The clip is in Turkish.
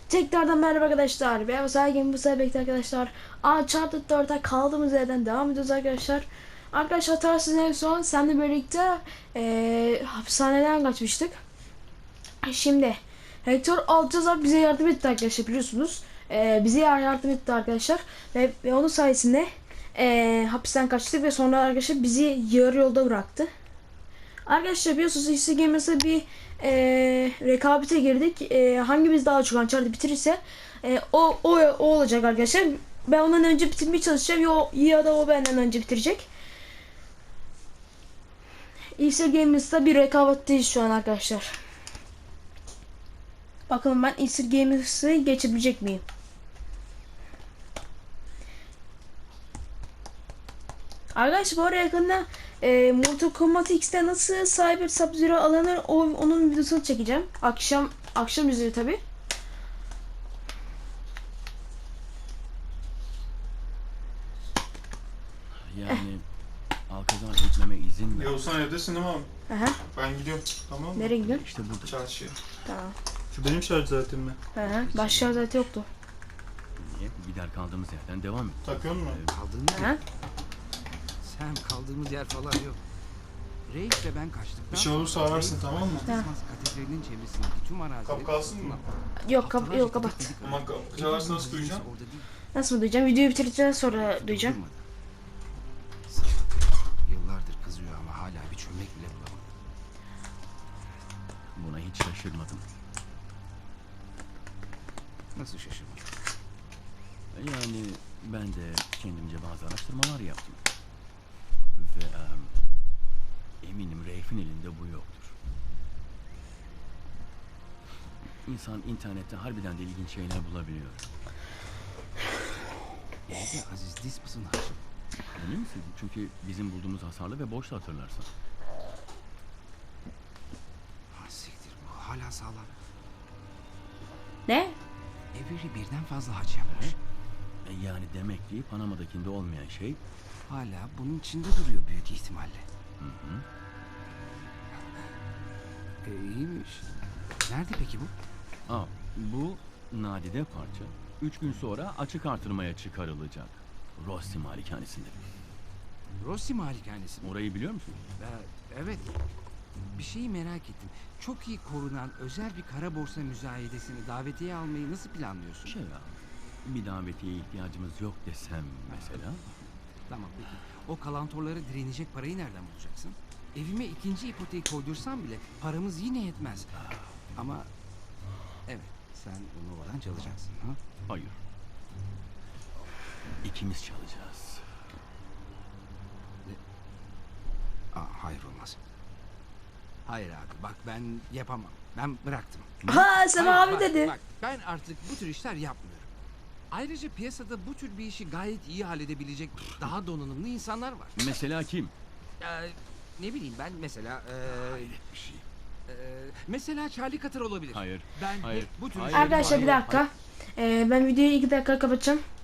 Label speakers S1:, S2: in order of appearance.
S1: Tekrardan merhaba arkadaşlar. Ben Game bu sefer bekle arkadaşlar. Uncharted 4'e kaldığımız yerden devam ediyoruz arkadaşlar. Arkadaşlar hatırlarsınız en son seninle birlikte hapishaneden kaçmıştık. Şimdi Hector Altazar bize yardım etti arkadaşlar, biliyorsunuz. Bize yardım etti arkadaşlar. Ve onun sayesinde hapisten kaçtık ve sonra arkadaşlar bizi yarı yolda bıraktı. Arkadaşlar biliyorsunuz işte Gamers'a bir rekabete girdik. Hangimiz daha çok Uncharted bitirirse o olacak arkadaşlar. Ben ondan önce bitirmeye çalışacağım ya da o benden önce bitirecek. İşte Gamers'ta bir rekabetteyiz şu an arkadaşlar. Bakalım ben Easter Gamers'ı geçebilecek miyim? Arkadaşlar bu arada yakında Mortal Kombat X'te nasıl Cyber Sub-Zero alınır onun videosunu çekeceğim. Akşam üzeri tabi.
S2: Yani Alcazar gitmeme izin ver.
S3: Yavuzhan evdesin değil mi abi?
S1: Aha.
S3: Ben gidiyorum. Tamam mı?
S1: Nereye gidiyorsun?
S2: İşte burada.
S1: Tamam.
S3: Çarşıya. Şu benim şarj zaten mi?
S1: Başka zaten yoktu.
S2: Niye? Gider kaldığımız yerden devam et.
S3: Takıyor musun?
S4: Kaldığımız
S1: Aha.
S4: yer. Sen kaldığımız yer falan yok. Reis ve ben kaçtıktan
S3: Bir şey olursa ararsın, tamam mı?
S4: Dismas Katedrali'nin çevresindeki tüm arazileri...
S3: Kapı kalsın mı?
S1: Yok kapat.
S3: Ama kapı çalarsa nasıl duyacaksın?
S4: Orada değil.
S1: Nasıl mı duyacağım? Videoyu bitirdikten sonra duyacağım.
S4: Durmadı. Salak. Yıllardır kızıyor ama hala bir çömlek bile bulamadı.
S2: Buna hiç şaşırmadım.
S4: Nasıl şaşırmadı?
S2: Yani ben de kendimce bazı araştırmalar yaptım. Ve eminim Reif'in elinde bu yoktur. İnsan internette harbiden de ilginç şeyler bulabiliyor.
S4: Evde Aziz Dismas'ın harcı.
S2: Emin misin? Çünkü bizim bulduğumuz hasarlı ve boştu, hatırlarsan.
S4: Ha siktir, bu hala sağlam.
S1: Ne?
S4: Avery birden fazla haç yapmış.
S2: Yani demek ki Panama'dakinde olmayan şey
S4: Hala bunun içinde duruyor büyük ihtimalle. İyiymiş. Nerede peki bu?
S2: bu nadide parça 3 gün sonra açık artırmaya çıkarılacak. Rossi malikanesinde.
S4: Rossi malikanesi mi?
S2: Orayı biliyor musun?
S4: Evet. Bir şeyi merak ettim. Çok iyi korunan özel bir kara borsa müzayedesini davetiye almayı nasıl planlıyorsun?
S2: Bir davetiye ihtiyacımız yok desem mesela.
S4: Tamam peki. O kalantorlara direnecek parayı nereden bulacaksın? Evime ikinci ipoteği koydursam bile paramız yine yetmez. Ama evet, sen bunu oradan çalacaksın ha?
S2: Hayır. İkimiz çalacağız.
S4: Hayır olmaz. Hayır abi bak ben yapamam. Ben bıraktım.
S1: Ha sen
S4: Hayır,
S1: abi
S4: bak,
S1: dedi.
S4: Bak ben artık bu tür işler yapmıyorum. Ayrıca piyasada bu tür bir işi gayet iyi halledebilecek daha donanımlı insanlar var.
S2: Mesela kim?
S4: Ne bileyim ben mesela
S2: Hayret bir şey.
S4: mesela Charlie Cutter olabilir.
S2: Hayır.
S4: Ben
S2: Hayır.
S4: hep bu tür
S2: Hayır.
S4: işleri-
S1: Arkadaşlar bir dakika. Ben videoyu 2 dakika kapatacağım.